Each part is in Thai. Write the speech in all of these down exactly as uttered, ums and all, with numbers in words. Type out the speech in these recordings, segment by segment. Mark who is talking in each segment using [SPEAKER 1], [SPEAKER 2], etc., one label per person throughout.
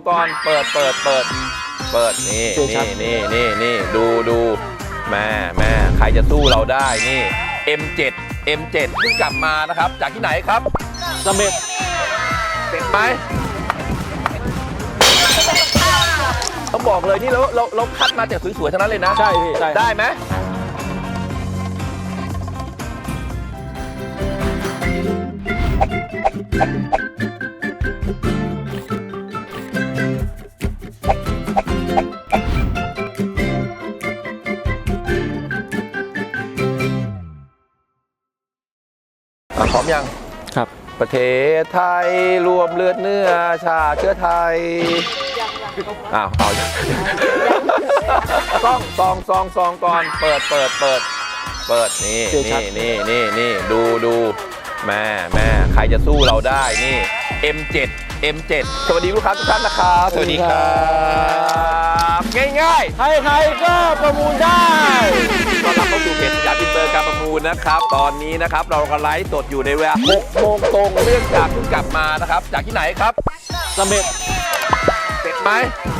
[SPEAKER 1] ก่อนเปิดเปิดเปิดเปิดนี่นี่นี่นี่นี่ดูดูแม่แม่ใครจะสู้เราได้นี่ เอ็ม เจ็ด เอ็ม เจ็ด เพิ่งกลับมานะครับจากที่ไหนครับเสม็ดเป็ดไหมต้องบอกเลยนี่เราเราเราคัดมาจากสวยๆทั้งนั้นเลยนะ
[SPEAKER 2] ใช่พี่
[SPEAKER 1] ได้ไหมพร้อมยัง
[SPEAKER 2] ครับ
[SPEAKER 1] ประเทศไทยรวมเลือดเนื้อชาเชื้อไทยอ้าวเอาซองซองซองซองก่อนเปิดเปิดเปิดเปิดนี่นี่นี่นี่นี่ดูดูแม่แม่ใครจะสู้เราได้นี่ เอ็ม เจ็ด เอ็ม เจ็ด สวัสดีลูกค้าทุกท่านนะครับสวัสดีครับง่ายๆ
[SPEAKER 2] ใครๆก็ประมูลได้
[SPEAKER 1] ต้อนรับเข้าสู่เพจสยามอินเตอร์การประมูลนะครับตอนนี้นะครับเรากำลังไลฟ์สดอยู่ในเวลาหกโมงตรงเรื่องจากเพิ่งกลับมานะครับจากที่ไหนครับ
[SPEAKER 2] เสม็ด
[SPEAKER 1] เป็ดไหม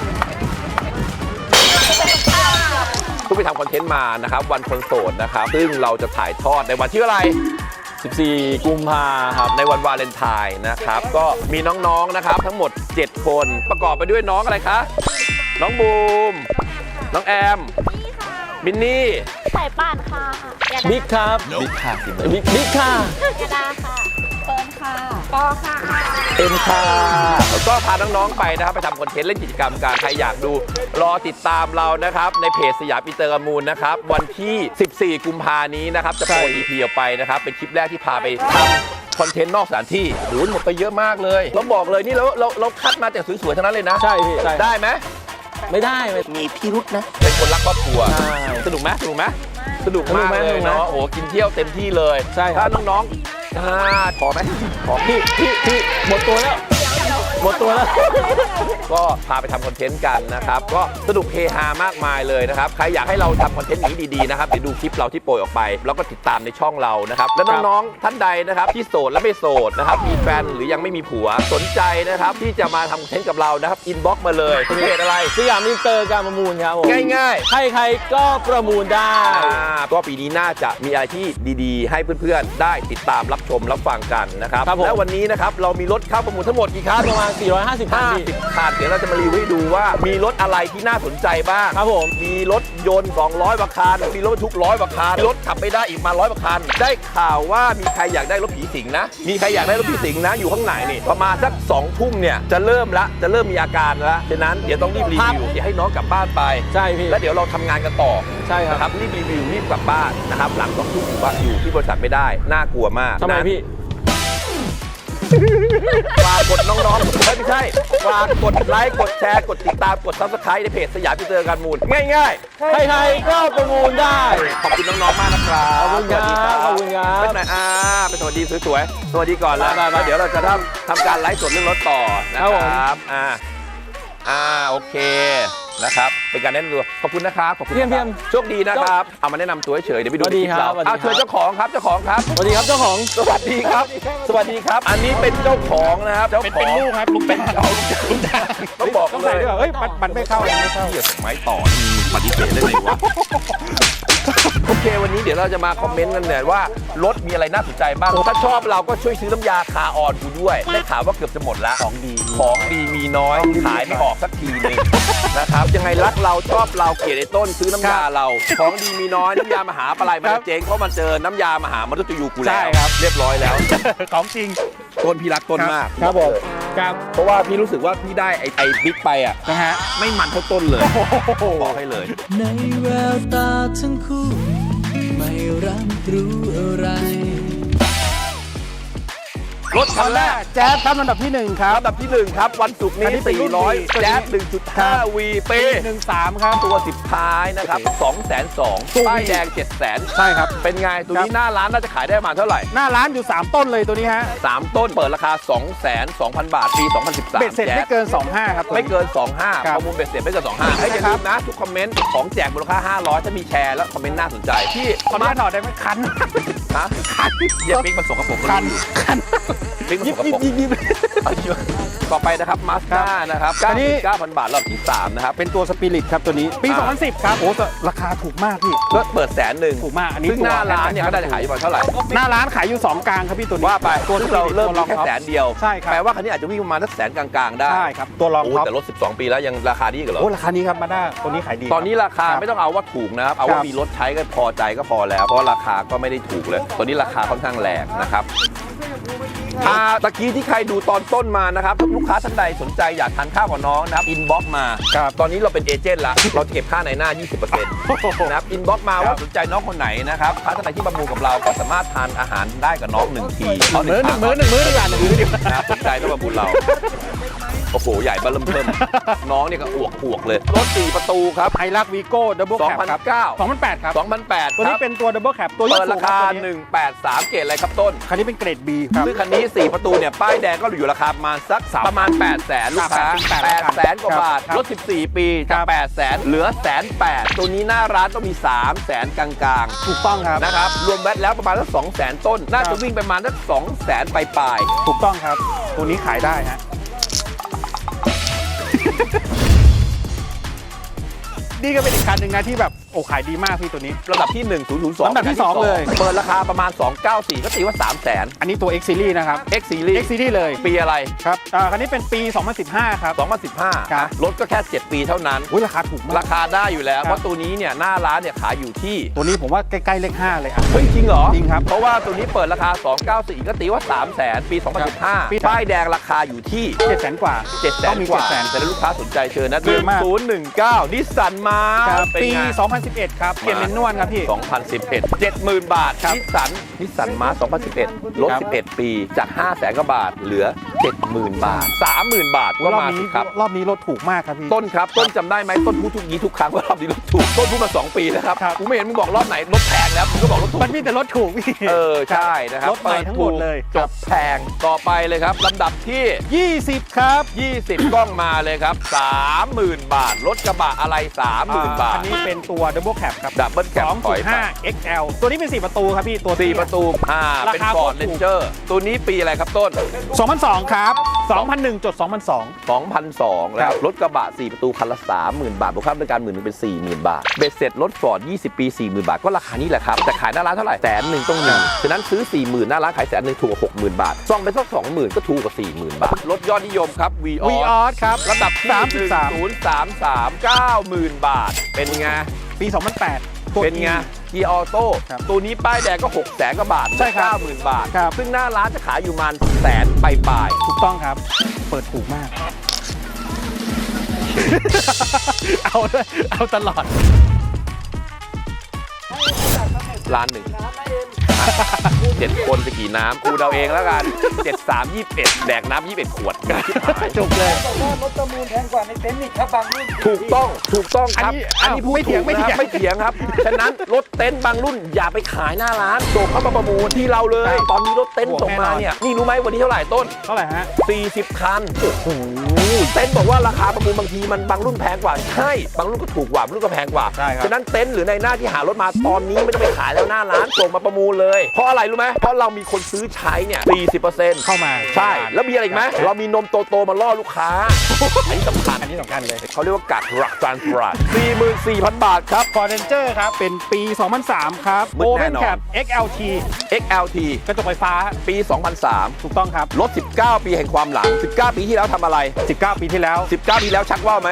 [SPEAKER 1] เพิ่งไปทำคอนเทนต์มานะครับวันคนโสดนะครับซึ่งเราจะถ่ายทอดในวันที่อะไร
[SPEAKER 2] สิบสี่กุมภา
[SPEAKER 1] ครับในวันวาเลนไทน์นะครับก็มีน้องๆนะครับทั้งหมดเจ็ดคนประกอบไปด้วยน้องอะไรคะน้องบูมน้องแอมมินนี่
[SPEAKER 3] สายป่านค่ะ
[SPEAKER 2] บิ๊กครับ
[SPEAKER 1] บิ๊กค่ะ
[SPEAKER 2] บิ๊กบิ๊กค่ะ
[SPEAKER 3] ยาดาค่ะเฟิร์นค่ะปอค่ะ
[SPEAKER 1] เอ็มค่ะแล้วก็พาน้องๆไปนะครับไปทำคอนเทนต์เล่นกิจกรรมการใครอยากดูรอติดตามเรานะครับในเพจสยามอินเตอร์การประมูลนะครับวันที่สิบสี่กุมภานี้นะครับจะโปร อี พี ออกไปนะครับเป็นคลิปแรกที่พาไปทำคอนเทนต์นอกสถานที่หรือหมดไปเยอะมากเลยเราบอกเลยนี่เราเราเราคัดมาจากสวยๆทั้งนั้นเลยนะ
[SPEAKER 2] ใช่พี่
[SPEAKER 1] ได้ไหม
[SPEAKER 2] ไม่ได้
[SPEAKER 1] มีพิรุษนะเป็นคนรักครอบครัวสนุกไหมสนุกไหมสนุกมากเลยเนาะโอ้กินเที่ยวเต็มที่เลย
[SPEAKER 2] ใช่
[SPEAKER 1] ถ้าน้องๆพอไหมพอ
[SPEAKER 2] พี่พี่พี่หมดตัวแล้วหมดตัวแล้ว
[SPEAKER 1] ก็พาไปทำคอนเทนต์กันนะครับก็สนุกเฮฮามากมายเลยนะครับใครอยากให้เราทำคอนเทนต์นี้ดีๆนะครับไปดูคลิปเราที่โปรยออกไปแล้วก็ติดตามในช่องเรานะครับและน้องๆท่านใดนะครับที่โสดและไม่โสดนะครับมีแฟนหรือยังไม่มีผัวสนใจนะครับที่จะมาทำคอนเทนต์กับเรานะครับอินบ็อกซ์มาเลยเพจอะไร
[SPEAKER 2] สยามอินเตอร์การประมูลครับผม
[SPEAKER 1] ง่าย
[SPEAKER 2] ๆใครๆก็ประมูลได้
[SPEAKER 1] ก็ปีนี้น่าจะมีอะไรที่ดีๆให้เพื่อนๆได้ติดตามรับชมรับฟังกันนะครับและวันนี้นะครับเรามีรถเข้าประมูลทั้งหมดกี่คัน
[SPEAKER 2] ประมาณสี่ร้อยห้าสิบคัน
[SPEAKER 1] คันเดี๋ยวเราจะมารีวิวให้ดูว่ามีรถอะไรที่น่าสนใจบ้าง
[SPEAKER 2] ครับผม
[SPEAKER 1] มีรถยนต์สองร้อยกว่าคันมีรถบรรทุกร้อยกว่าคันรถขับไม่ได้อีกมาร้อยกว่าคันได้ข่าวว่ามีใครอยากได้รถผีสิงนะมีใครอยากได้รถผีสิงนะอยู่ข้างไหนนี่ประมาณสักสองทุ่มเนี่ยจะเริ่มละจะเริ่มมีอาการแล้วฉะนั้นเดี๋ยวต้องรีบรีวิวเดี๋ยวให้น้องกลับบ้านไป
[SPEAKER 2] ใช่พี่
[SPEAKER 1] แล้วเดี๋ยวเราทำงานกันต่อ
[SPEAKER 2] ใช่ครับ
[SPEAKER 1] รีบรีวิวรีบกลับบ้านนะครับหลังสองทุ่มอยู่บ้านอยู่ที่บริษัทไม่ได้น่ากลัวมาก
[SPEAKER 2] ทำไมพี่
[SPEAKER 1] ฝากกดน้องๆไม่ใช่ฝากกดไลค์กดแชร์กดติดตามกดซับสไครต์ในเพจสยามอินเตอร์การประมูลง่าย
[SPEAKER 2] ๆใครๆก็ประมูลได้
[SPEAKER 1] ขอบคุณน้องๆมากนะครับ
[SPEAKER 2] ขอบคุณครับขอบคุณครับ
[SPEAKER 1] เป็นไงอ่าเป็นสวัสดีสวยๆสวัสดีก่อนแล้วแล้วเดี๋ยวเราจะทำทำการไลฟ์สดเรื่องรถต่อนะครับอ่าอ่าโอเคนะครับเป็นการแนะนำตัวขอบคุณนะครับขอบคุณ
[SPEAKER 2] เพียม
[SPEAKER 1] โชคดีนะครับเอามาแนะนำตัวเฉยเดี๋ยวไปดูที่เราเอาเชิญเจ้าของครับเจ้าของครับ
[SPEAKER 2] สวัสดีครับเจ้าของ
[SPEAKER 1] สวัสดีครับสวัสดีครับอันนี้เป็นเจ้าของนะครับเจ้าของ
[SPEAKER 2] เป็นลูกครับลูกเป็น
[SPEAKER 1] เอาลูกจ้างต้องบอก
[SPEAKER 2] เลยเฮ้ยมันไม่เข้าไม่เข้า
[SPEAKER 1] เกี่ยวกับไม้ต่อปฏิเสธได้เลยวะโอเควันนี้เดี๋ยวเราจะมาคอมเมนต์กันเนี่ยว่ารถมีอะไรน่าสนใจบ้างถ้าชอบเราก็ช่วยซื้อน้ำยาคาออนกูด้วยได้ข่าวว่าเกือบจะหมดแล้ว
[SPEAKER 2] ของดี
[SPEAKER 1] ของดีมีน้อยขายไม่ออกสักทีนึงนะครับยังไงรักเราชอบเราเกลียดไอ้ต้นซื้อน้ำยาเราของดีมีน้อยน้ำยามหาปลายมันเจ๊งเพราะมันเจอน้ำยามหามนุษย์ยูกูแล้วเรียบร้อยแล้ว
[SPEAKER 2] ของจริง
[SPEAKER 1] ต้นพี่รักต้นมาก
[SPEAKER 2] ครับผมครับ
[SPEAKER 1] เพราะว่าพี่รู้สึกว่าพี่ได้ไอ้ไอ้บิ๊กไปอ่ะ
[SPEAKER 2] นะฮะ
[SPEAKER 1] ไม่มันเท่าต้นเลยบอกให้เลย
[SPEAKER 4] ในแววตาทั้งคู่ไม่รับรู้อะไร
[SPEAKER 1] รถคันแรก
[SPEAKER 2] แจ๊สครับลำดับที่หนึ่งครับ
[SPEAKER 1] ลำดับที่หนึ่งครับวันศุกร์นี้สี่ร้อยแจ๊ส หนึ่งจุดห้า วี ปี
[SPEAKER 2] หนึ่งสามครับ
[SPEAKER 1] ตัวสิบท้ายนะครับ สองแสนสองหมื่น ป้ายแดง เจ็ดแสน
[SPEAKER 2] ใช่ครับ
[SPEAKER 1] เป็นไงตัวนี้หน้าร้านน่าจะขายได้ประมาณเท่าไหร่
[SPEAKER 2] หน้าร้านอยู่สามต้นเลยตัวนี้ฮะ
[SPEAKER 1] สามต้นเปิดราคา สองแสนสองพัน บาทปีสองพันสิบสาม
[SPEAKER 2] เบ็ดเสร็จไม่เกินสองห้าครับ
[SPEAKER 1] ไม่เกินสองห้าประมูลเบ็ดเสร็จไม่เกินสองห้าให้อย่าลืมนะทุกคอมเมนต์ของแจกมูลค่าห้าร้อยถ้ามีแชร์แล้วคอมเมนต์น่าสนใจที่
[SPEAKER 2] คอมเมนต์หน่อยได้ไหมคัน
[SPEAKER 1] ฮะคันอย่าปิ๊กมันส่งกับผม
[SPEAKER 2] คันคัน
[SPEAKER 1] พริกมัน
[SPEAKER 2] ยิ
[SPEAKER 1] ส
[SPEAKER 2] บ
[SPEAKER 1] ก
[SPEAKER 2] ยิ
[SPEAKER 1] ป
[SPEAKER 2] บ
[SPEAKER 1] รก
[SPEAKER 2] ยิบยิบ
[SPEAKER 1] เอาเยอะต่อไปนะครับมาสด้านะครับ
[SPEAKER 2] อันนี้
[SPEAKER 1] เก้าพันบาทรอบที่สามนะครับ
[SPEAKER 2] เป็นตัวสปิริตครับตัวนี้ปี
[SPEAKER 1] อ่า
[SPEAKER 2] สองพันสิบครับโอ้แต่ราคาถูกมากพี่
[SPEAKER 1] ก็เปิดแสนหนึ่ง
[SPEAKER 2] ถูกมากอันนี้
[SPEAKER 1] ซึ่งหน้าร้านเนี่ยก็ได้ขายอยู่ประมาณเท่าไหร่
[SPEAKER 2] หน้าร้านขายอยู่สองกลางครับพี่ตัวนี้
[SPEAKER 1] ว่าไป
[SPEAKER 2] ตัว
[SPEAKER 1] ซึ่งเราเริ่ม
[SPEAKER 2] ตัว
[SPEAKER 1] ที่แค่แสนเดียว
[SPEAKER 2] ใช่ครับ
[SPEAKER 1] แปลว่าคันนี้อาจจะวิ่งประมาณสักแสนกลางๆได้
[SPEAKER 2] ใช่ครับตัวรอง
[SPEAKER 1] โอ้
[SPEAKER 2] ท็อป
[SPEAKER 1] แต่รถสิบสองปีแล้วยังราคาดีกันเหรอ
[SPEAKER 2] โอ้ราคานี้ครับมาด้าตัวนี้ขายดี
[SPEAKER 1] ตอนนี้ราคาไม่ต้องเอาว่าถูกนะครับ เอาว่า
[SPEAKER 2] ครับ
[SPEAKER 1] มีรถใช้ก็พอใจก็พอแล้ว เพราะราคาก็ไม่ได้ถูกเลย ตอนนี้ราคาค่อนข้างแรงนะครับอ่าตะกี้ที่ใครดูตอนต้นมานะครับถ้าลูกค้าท่านใดสนใจอยากทานข้าวกับน้องนะครับอินบ็อกมา
[SPEAKER 2] ครับ
[SPEAKER 1] ตอนนี้เราเป็นเอเจนต์ละเราจะเก็บค่าในหน้า ยี่สิบเปอร์เซ็นต์ นะครับอินบ็อกมาว่าสนใจน้องคนไหนนะครับลูกค้าท่านใดที่ประมูลกับเราก็สามารถทานอาหารได้กับน้องหนึ่งที
[SPEAKER 2] หนึ่งมื้อหนึ่งมื้อหนึ่งมื้อดีกว่าหนึ่งมื้อดีกว่า
[SPEAKER 1] นะครับสนใจต้องประมูลเรา โอ้โห ใหญ่เบ้อเริ่มเพิ่มน้องเนี่ยก็อวกอวกเลย รถสี่ประตูครับ
[SPEAKER 2] ไฮรักวีโก้ดับเบิลแคปครับ
[SPEAKER 1] สองพันเก้า
[SPEAKER 2] สองพันแปดครับ
[SPEAKER 1] สองพันแปด
[SPEAKER 2] ตัว
[SPEAKER 1] ค
[SPEAKER 2] นี้
[SPEAKER 1] รับ
[SPEAKER 2] เป็นตัวดับเบิลแคปตัวยก
[SPEAKER 1] เปิด
[SPEAKER 2] สู
[SPEAKER 1] ราง คา
[SPEAKER 2] ตัวนี้
[SPEAKER 1] หนึ่งแปดสามเกรดอะไรครับต้น
[SPEAKER 2] คันนี้เป็นเกรด B ครับ
[SPEAKER 1] ซึ่งคันนี้สี่ประตูเนี่ยป้ายแดงก็อยู่ราคาประมาณสักประมาณแปดแสนลูกค้า
[SPEAKER 2] แปด
[SPEAKER 1] แป
[SPEAKER 2] แสน
[SPEAKER 1] ดแสนกว่าบาท
[SPEAKER 2] ครับ
[SPEAKER 1] รถสิบสี่ปี
[SPEAKER 2] ครั
[SPEAKER 1] จาก
[SPEAKER 2] บ
[SPEAKER 1] แปดแสนเหลือแสนแปดตัวนี้หน้าร้านต้องมีสามแสนกลางๆ
[SPEAKER 2] ถูกต้องครับ
[SPEAKER 1] นะครับรวมแบตแล้วประมาณสักสองแสนต้น น่า
[SPEAKER 2] ครั
[SPEAKER 1] จะ
[SPEAKER 2] บ
[SPEAKER 1] วิ่งประมาณสักสองแสนปลาย
[SPEAKER 2] ถูกต้องครับ ตัวนี้ขายได้ฮะ นี่ก็เป็นอีกคันหนึ่งนะที่แบบโอ้ขายดีมากพี่ตัวนี้
[SPEAKER 1] ๆระดับที่หนึ่ง ศูนย์ ศูนย์ สอง
[SPEAKER 2] ลำดับที่สองเลย
[SPEAKER 1] เปิดราคาประมาณสองเก้าสี่ก็ตีว่าสามแสน
[SPEAKER 2] อันนี้ตัว X Series นะครับ
[SPEAKER 1] X Series
[SPEAKER 2] X Series เลย
[SPEAKER 1] ปีอะไร
[SPEAKER 2] ครับอ่าคันนี้เป็นปี สองพันสิบห้า ครับ
[SPEAKER 1] สองพันสิบห้า
[SPEAKER 2] ครับ
[SPEAKER 1] รถก็แค่เจ็ดปีเท่านั้น
[SPEAKER 2] อุ้ยราคาถูกมาก
[SPEAKER 1] ราคาได้อยู่แล้ว
[SPEAKER 2] ครับ
[SPEAKER 1] เพราะตัวนี้เนี่ยหน้าร้านเนี่ยขายอยู่ที่
[SPEAKER 2] ตัวนี้ผมว่าใกล้ๆเลขห้าเลยอ่ะ
[SPEAKER 1] เฮ้ยจริงเหรอ
[SPEAKER 2] จริงครับ
[SPEAKER 1] เพราะว่าตัวนี้เปิดราคาสองเก้าสี่ก็ตีว่าสามแสนปีสองพันสิบห้า
[SPEAKER 2] ปี
[SPEAKER 1] ป้ายแดงราคาอยู่ที่
[SPEAKER 2] เจ็ดแสนกว่า
[SPEAKER 1] เจ็ดแส
[SPEAKER 2] ต้
[SPEAKER 1] น
[SPEAKER 2] องมี
[SPEAKER 1] กว่า
[SPEAKER 2] เจ็ดแสน
[SPEAKER 1] แต่ถ้าลูกค้าสนใจเชิญนะ
[SPEAKER 2] เยอะมาก
[SPEAKER 1] ศูนย์หนึ่งเก้านิสสันมา
[SPEAKER 2] ครับ
[SPEAKER 1] เป็น
[SPEAKER 2] ปี
[SPEAKER 1] ไง
[SPEAKER 2] สองพันสิบเอ็ด ครับ เปลี่ยนเป็นนวลครับพี่
[SPEAKER 1] สองพันสิบเอ็ด เจ็ดหมื่น บาท
[SPEAKER 2] ครับ
[SPEAKER 1] นิสสันนิสสันมาสองพันสิบเอ็ดลด
[SPEAKER 2] ครับ
[SPEAKER 1] สิบเอ็ด ปีจาก ห้าแสน กว่าบาท เหลือ เจ็ดหมื่น บาท สามหมื่น บาทก็
[SPEAKER 2] รอบ
[SPEAKER 1] มา
[SPEAKER 2] นี้
[SPEAKER 1] สิครับ
[SPEAKER 2] รอบนี้รถถูกมากครับพี่
[SPEAKER 1] ต้นครับ ต้นจำได้ไหมต้นพูดทุกยี้ทุกครั้งว่ารอบนี้รถถูก ต้นพูดมา สอง ปีนะครับ
[SPEAKER 2] ครับ
[SPEAKER 1] กูไม่เห็นมึงบอกรอบไหนรถแพงแล้วมึงก็บอกรถถูก
[SPEAKER 2] มันมีแต่รถถูกพี่
[SPEAKER 1] เออ ใช่นะครับ
[SPEAKER 2] รถใหม่ทั้งหมดเลย
[SPEAKER 1] จบแพงต่อไปเลยครับลำดับที่
[SPEAKER 2] ยี่สิบ ครับ
[SPEAKER 1] ยี่สิบ กล้องมาเลยครับ สามหมื่น บาท รถกระบะอะไร สามหมื่น บาท
[SPEAKER 2] อันนี้เป็นตัว Double Cab ครับ
[SPEAKER 1] ดับเบิลแคปถอยไป
[SPEAKER 2] สองจุดห้า เอ็กซ์ แอล ตัวนี้เป็นสี่ประตูครับพี่ตัว
[SPEAKER 1] สี่
[SPEAKER 2] เตี้ย
[SPEAKER 1] ประตูอ่า
[SPEAKER 2] รา
[SPEAKER 1] เป็น
[SPEAKER 2] คา
[SPEAKER 1] ฟอร์ด
[SPEAKER 2] ถูก
[SPEAKER 1] เรนเจอร์ตัวนี้ปีอะไรครับต้น
[SPEAKER 2] สองพันสอง ครับ สองพันหนึ่ง สองพันสอง
[SPEAKER 1] สองพันสอง
[SPEAKER 2] ค
[SPEAKER 1] แล้
[SPEAKER 2] รั
[SPEAKER 1] ว
[SPEAKER 2] บ
[SPEAKER 1] รถกระบะสี่ประตูคันละสามหมื่น บาทบวกค่าบริการหมื่นนึงเป็น สี่หมื่น บาทเบ็ดเสร็จรถฟอร์ดยี่สิบ ปี สี่หมื่น บาทก็ราคานี้แหละครับแต่ขายหน้าร้านเท่าไหร่แสนหนึ่งต้องหนึ่งฉะนั้นซื้อ สี่หมื่น หน้าร้านขายแสนหนึ่งถูกกว่าหกหมื่น บาทซ่องไปสักสองหมื่นก็ถูกกว่า สี่หมื่น บาทรถยอดนิยมครับ v ีอ
[SPEAKER 2] วีออสครับ
[SPEAKER 1] ระดับที่
[SPEAKER 2] สามสิบสาม
[SPEAKER 1] ศูนย์สามสาม เก้าหมื่น บาทเป็นไง
[SPEAKER 2] ปี สองพันแปด ตัว
[SPEAKER 1] เป็นไง
[SPEAKER 2] E
[SPEAKER 1] เกียร์ออโต้
[SPEAKER 2] ครับ
[SPEAKER 1] ตัวนี้ป้ายแดงก็หกแสนกว่าบาท
[SPEAKER 2] ใช่ครับ
[SPEAKER 1] เก้าหมื่น บาท
[SPEAKER 2] ครับ
[SPEAKER 1] ซึ่งหน้าร้านจะขายอยู่ประมาณแสนปลาย
[SPEAKER 2] ถูกต้องครับ เปิดถูกมาก เอาเลยเอาตลอด
[SPEAKER 1] ๆร้านหนึ่งเจ็ดคนไปกี่น้ำกูเดาเองแล้วกันเจ็ดสามยี่สิบเอ็ดแดกน้ำยี่สิบเอ็ดขวด
[SPEAKER 2] จบเลย
[SPEAKER 5] รถประมูลแพงกว่าในเต็นท์อีกครับบางรุ่น
[SPEAKER 1] ถูกต้องถูกต้องครับ
[SPEAKER 2] อันนี้
[SPEAKER 1] อันนี้พูด
[SPEAKER 2] ไม่เถียง
[SPEAKER 1] ถูก
[SPEAKER 2] ไม่เถียง
[SPEAKER 1] นะครับไม่เถียงครับ ฉะนั้นรถเต็นท์บางรุ่นอย่าไปขายหน้าร้านส่งเข้ามาประมูลที่เราเลย ตอนนี้รถเต็นท์ส่งมาเนี่ยนี่รู้ไหมวันนี้เท่าไหร่ต้น
[SPEAKER 2] เท่าไหร่ฮะ
[SPEAKER 1] สี่สิบ คันโอ้โหเต็นท์บอกว่าราคาประมูลบางทีมันบางรุ่นแพงกว่าใช่บางรุ่นก็ถูกกว่าบางรุ่นก็แพงกว่า
[SPEAKER 2] ใช่ครับ
[SPEAKER 1] ฉะนั้นเต็นท์หรือในหน้าที่หารถมาตอนนี้ไม่ต้องไปขายแล้วหน้าร้านส่งมาประมูลเลยเพราะอะไรรู้ไหมเพราะเรามีคนซื้อใช้เนี่ยสี่สิบเปอร์เซ็นต์
[SPEAKER 2] เข้ามา
[SPEAKER 1] ใช่แล้วมีอะไรอีกไหมเรามีนมโตๆมาล่อลูกค้าอันนี้สำคัญ
[SPEAKER 2] อันนี้สำคัญเลย
[SPEAKER 1] เขาเรียกว่ากัดรักจานปราด สี่หมื่นสี่พัน บาทครับ
[SPEAKER 2] ฟอร์เรนเจอร์ครับ เป็นปี สองพันสาม ครับ
[SPEAKER 1] มืด
[SPEAKER 2] โอ
[SPEAKER 1] แน่
[SPEAKER 2] เ n น
[SPEAKER 1] นอน
[SPEAKER 2] แคป เอ็กซ์ แอล ที
[SPEAKER 1] เอ็กซ์ แอล ที
[SPEAKER 2] กระจกไฟฟ้า
[SPEAKER 1] ปี สองพันสาม
[SPEAKER 2] ถูกต้องครับ
[SPEAKER 1] รถสิบเก้า ปีแห่งความหลัง สิบเก้า ปีที่แล้วทำอะไร
[SPEAKER 2] สิบเก้า ปีที่แล้ว
[SPEAKER 1] สิบเก้า ปีแล้วชักว่าวไหม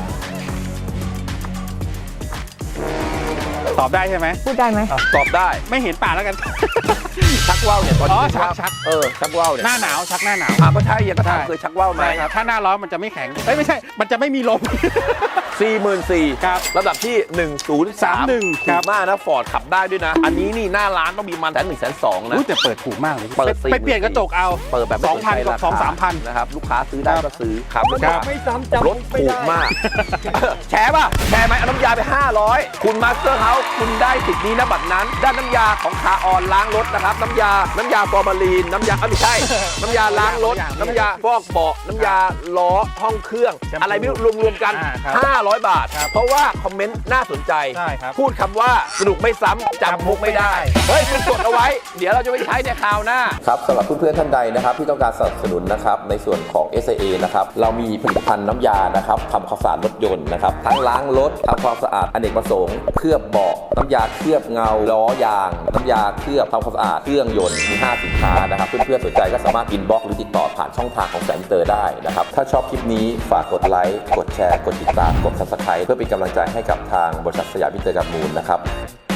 [SPEAKER 2] ตอบได้ใช่ไหม
[SPEAKER 3] พูดได้ไหม
[SPEAKER 1] ตอบได้
[SPEAKER 2] ไม่เห็นป่าแล้วกัน
[SPEAKER 1] ชักว่าวเนี่ยตอน
[SPEAKER 2] อ๋
[SPEAKER 1] นี้
[SPEAKER 2] อ
[SPEAKER 1] ชัก
[SPEAKER 2] ชัก
[SPEAKER 1] เออชักว่าวเนี่ย
[SPEAKER 2] หน้าหนาวชักหน้าหนาว
[SPEAKER 1] อ่ะก็ใช่ยังก็ถาม
[SPEAKER 2] ใช่
[SPEAKER 1] เคยชักว่าวไหม
[SPEAKER 2] ใช่ครับ ถ้าหน้าร้อนมันจะไม่แข็ง เอ้ยไม่ใช่ มันจะไม่มีลม
[SPEAKER 1] สี่หมื่นสี่
[SPEAKER 2] ครับ
[SPEAKER 1] ระดับที่หนึ่งศูนย์สาม
[SPEAKER 2] สามหนึ่ง
[SPEAKER 1] ถู
[SPEAKER 2] ครั
[SPEAKER 1] ก
[SPEAKER 2] บ
[SPEAKER 1] มากนะฟอร์ดขับได้ด้วยนะ อันนี้นี่หน้าร้านต้องมีมันแสนหนึ่งแสนสองนะ
[SPEAKER 2] อุ๊ยแต่เปิดถูกมากเลย
[SPEAKER 1] เปิด
[SPEAKER 2] ไป
[SPEAKER 1] สี่
[SPEAKER 2] ไปเปลี่ยนกระจกเอา
[SPEAKER 1] เปิดแบบไม่
[SPEAKER 2] สองพัน
[SPEAKER 1] ใจ
[SPEAKER 2] กับ
[SPEAKER 1] ราคา
[SPEAKER 2] สองสามพัน
[SPEAKER 1] นะครับลูกค้าซื้อได้ก็ซื้อครับลูก
[SPEAKER 2] ครั
[SPEAKER 1] ค้า
[SPEAKER 2] บ
[SPEAKER 5] ไม่ซ้ำจำ
[SPEAKER 1] รถถูกมาก แชร์ป่ะ แชร์ไหมเอาน้ำยาไป ห้าร้อย คุณมาสเตอร์เฮาส์คุณได้สิทธิ์นี้นะบัตรนั้น ด้านน้ำยาของคาออนล้างรถนะครับ น้ำยา น้ำยาฟอร์มาลีน น้ำยาเอ้ยไม่ใช่ น้ำยาล้างรถ น้ำยาฟอกเบาะน้ำยาล้อห้องเครื่อง อะไรไม่รู้รวมๆกัน
[SPEAKER 2] อ่าครับ
[SPEAKER 1] ห้าร้อยบาท เพราะว่าคอมเมนต์น่าสนใจ
[SPEAKER 2] ใช่ครับ
[SPEAKER 1] พูดคำว่าสนุกไม่ซ้ำจำมุกไม่ได้ เฮ้ยคุณจดเอาไว้ เดี๋ยวเราจะไปใช้ในคราวหน้าครับสำหรับเพื่อนๆท่านใดนะครับที่ต้องการสนับสนุนนะครับในส่วนของ เอส ไอ เอ นะครับเรามีผลิตภัณฑ์น้ำยานะครับทำความสะอาดรถยนต์นะครับทั้งล้างรถทำความสะอาดอเนกประสงค์เคลือบเบาะน้ำยาเคลือบเงาล้อยางน้ำยาเคลือบทำความสะอาดเครื่องยนต์มีห้าสินค้านะครับเพื่อนๆสนใจก็สามารถอินบ็อกซ์หรือติดต่อผ่านช่องทางของแสนเตอร์ได้นะครับถ้าชอบคลิปนี้ฝากกดไลค์กดแชร์กดติดตามกด ซับสไครบ์ เพื่อเป็นกำลังใจให้กับทางบริษัทสยามอินเตอร์การ์มูลนะครับ